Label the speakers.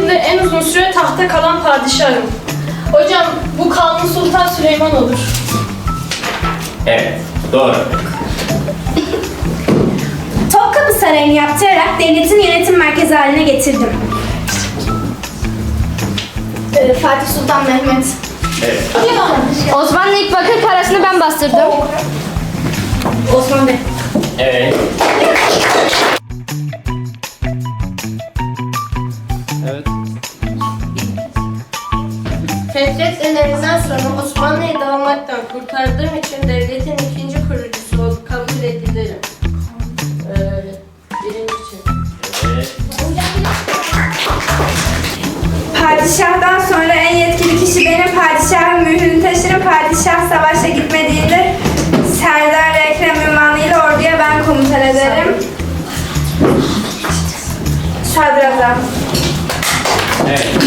Speaker 1: tarihinde en uzun süre tahta kalan padişahım. Hocam bu Kanuni Sultan Süleyman olur.
Speaker 2: Evet, doğru.
Speaker 3: Topkapı Sarayı'nı yaptırarak devletin yönetim merkezi haline getirdim.
Speaker 1: Fatih Sultan Mehmet.
Speaker 2: Evet.
Speaker 4: Osmanlı ilk bakır parasını ben bastırdım.
Speaker 1: Osman Bey.
Speaker 2: Evet.
Speaker 5: Evet.
Speaker 6: Fetret döneminden sonra Osmanlı'yı dağılmaktan kurtardığım için devletin ikinci kurucusu olup kabul edilirim. Birincisi.
Speaker 2: Evet.
Speaker 3: Padişah'tan sonra en yetkili kişi benim. Padişahın mührünü taşırım. Padişah savaşa gitmediğinde Serdar Ekrem ünvanıyla orduya ben komutan ederim. Sadrazam.
Speaker 2: Evet.